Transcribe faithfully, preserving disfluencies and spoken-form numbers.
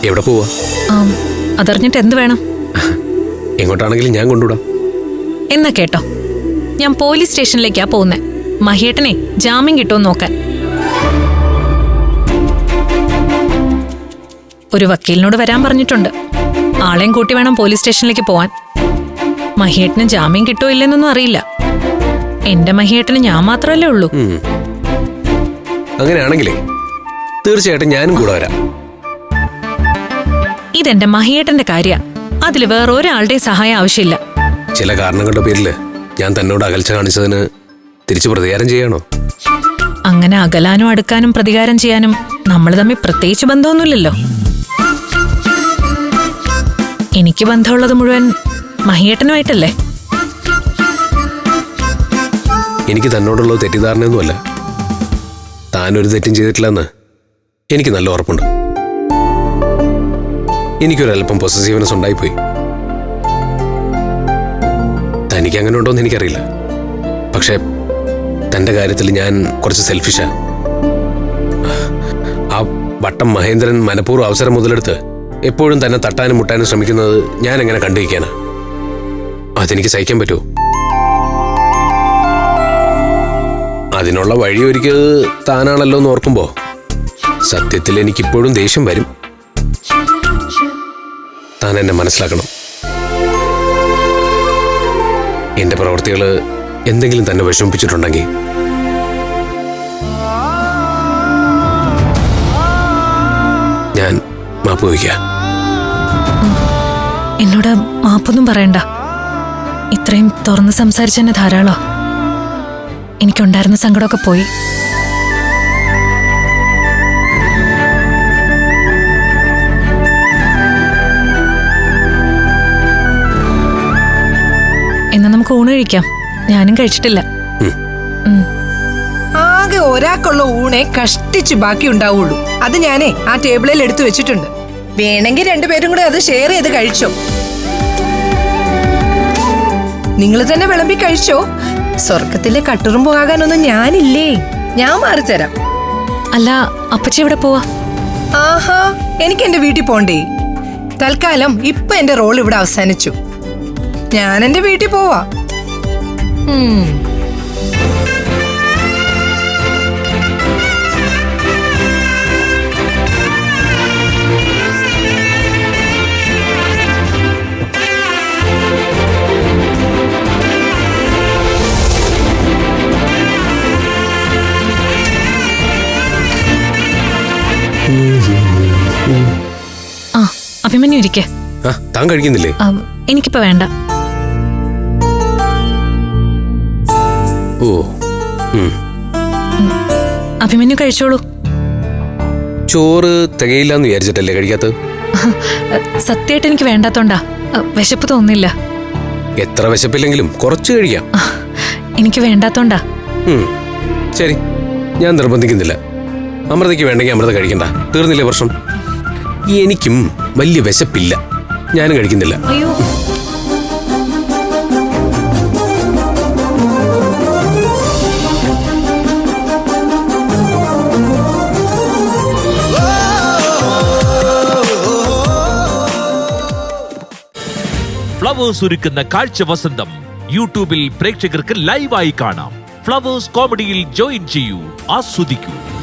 എവിടെ പോവാ? അതറിഞ്ഞിട്ട് എന്ത് വേണം? എങ്ങോട്ടാണെങ്കിലും ഞാൻ കൊണ്ടുവിടാം. എന്നാ കേട്ടോ, ഞാൻ പോലീസ് സ്റ്റേഷനിലേക്കാ പോകുന്നേ. മഹേട്ടനെ ജാമ്യം കിട്ടുമെന്ന് നോക്കാൻ. ഒരു വക്കീലിനോട് വരാൻ പറഞ്ഞിട്ടുണ്ട്. ആളെയും കൂട്ടി വേണം പോലീസ് സ്റ്റേഷനിലേക്ക് പോവാൻ. മഹേട്ടന് ജാമ്യം കിട്ടോ ഇല്ലെന്നൊന്നും അറിയില്ല. എന്റെ മഹേട്ടന് ഞാൻ മാത്രമല്ലേ ഉള്ളൂ. അങ്ങനെയാണെങ്കിലേ തീർച്ചയായിട്ടും ഞാനും കൂടെ വരാം. ഇതെന്റെ മഹേട്ടന്റെ കാര്യ. അതിൽ വേറെ ഒരാളുടെ സഹായം ആവശ്യമില്ല. ചില കാരണങ്ങളുടെ പേരില് ഞാൻ തന്നോട് അകൽച്ച കാണിച്ചതിന് തിരിച്ചു പ്രതികാരം ചെയ്യാണോ? അങ്ങനെ അകലാനും അടുക്കാനും പ്രതികാരം ചെയ്യാനും നമ്മൾ തമ്മിൽ പ്രത്യേകിച്ച് ബന്ധമൊന്നുമില്ലല്ലോ. എനിക്ക് ബന്ധമുള്ളത് മുഴുവൻ മഹിയേട്ടനുമായിട്ടല്ലേ. എനിക്ക് തന്നോടുള്ളത് തെറ്റിദ്ധാരണയൊന്നുമല്ല. താനൊരു തെറ്റും ചെയ്തിട്ടില്ലെന്ന് എനിക്ക് നല്ല ഉറപ്പുണ്ട്. എനിക്കൊരല്പം പൊസസീവ്നെസ് ഉണ്ടായിപ്പോയി. തനിക്ക് അങ്ങനെ ഉണ്ടോന്ന് എനിക്കറിയില്ല. പക്ഷെ തന്റെ കാര്യത്തിൽ ഞാൻ കുറച്ച് സെൽഫിഷാ. ആ വട്ടം മഹേന്ദ്രൻ മനഃപൂർവ്വം അവസരം മുതലെടുത്ത് എപ്പോഴും തന്നെ തട്ടാനും മുട്ടാനും ശ്രമിക്കുന്നത് ഞാൻ എങ്ങനെ കണ്ടിരിക്കാനാ? അതെനിക്ക് സഹിക്കാൻ പറ്റുമോ? അതിനുള്ള വഴി ഒരുക്കിയത് താനാണല്ലോ എന്ന് ഓർക്കുമ്പോ സത്യത്തിൽ എനിക്കിപ്പോഴും ദേഷ്യം വരും. താൻ എന്നെ മനസ്സിലാക്കണം. എന്റെ പ്രവൃത്തികള് എന്തെങ്കിലും തന്നെ വിഷമിപ്പിച്ചിട്ടുണ്ടെങ്കിൽ ഞാൻ മാപ്പ് വയ്ക്കാം. എന്നോട് മാപ്പൊന്നും പറയണ്ട. ഇത്രയും തുറന്ന് സംസാരിച്ചെന്നെ ധാരാളോ. എനിക്കുണ്ടായിരുന്ന സങ്കടമൊക്കെ പോയി. എന്നാ നമുക്ക് ഊണ് കഴിക്കാം. ഞാനും കഴിച്ചിട്ടില്ല. ആകെ ഒരാൾക്കുള്ള ഊണെ കഷ്ടിച്ച് ബാക്കി ഉണ്ടാവുള്ളൂ. അത് ഞാനേ ആ ടേബിളിൽ എടുത്തു വെച്ചിട്ടുണ്ട്. വേണമെങ്കിൽ രണ്ടുപേരും കൂടെ അത് ഷെയർ ചെയ്ത് കഴിച്ചോ. നിങ്ങൾ തന്നെ വിളമ്പി കഴിച്ചോ. സ്വർഗത്തിലെ കട്ടുറുമ്പ് ആകാനൊന്നും ഞാനില്ലേ. ഞാൻ മാറിത്തരാം. അല്ല, അപ്പച്ചി എവിടെ പോവാ? ആഹാ, എനിക്ക് എന്റെ വീട്ടിൽ പോണ്ടേ. തൽക്കാലം ഇപ്പൊ എന്റെ റോൾ ഇവിടെ അവസാനിച്ചു. ഞാൻ എന്റെ വീട്ടിൽ പോവാ. ആ, അഭിമന്യു ഇരിക്കേ. താൻ കഴിക്കുന്നില്ലേ? എനിക്കിപ്പോ വേണ്ട. ഓ, അഭിമന്യു കഴിച്ചോളൂ. ചോറ് തികയില്ലാന്ന് വിചാരിച്ചിട്ടല്ലേ കഴിക്കാത്തത്? സത്യമായിട്ട് എനിക്ക് വേണ്ടാത്തോണ്ടാ. വിശപ്പ് തോന്നില്ല. എത്ര വിശപ്പില്ലെങ്കിലും കുറച്ച് കഴിക്കാം. എനിക്ക് വേണ്ടാത്തോണ്ടാ. ശരി, ഞാൻ നിർബന്ധിക്കുന്നില്ല. അമൃതയ്ക്ക് വേണ്ടെങ്കിൽ അമൃത കഴിക്കണ്ട. തീർന്നില്ലേ പ്രശ്നം? എനിക്കും വലിയ വിശപ്പില്ല. ഞാനും കഴിക്കുന്നില്ല. അയ്യോ, ഫ്ലവേഴ്സ് ഒരുക്കുന്ന കാഴ്ച വസന്തം യൂട്യൂബിൽ പ്രേക്ഷകർക്ക് ലൈവായി കാണാം. ഫ്ലവേഴ്സ് കോമഡിയിൽ ജോയിൻ ചെയ്യൂ, ആസ്വദിക്കൂ.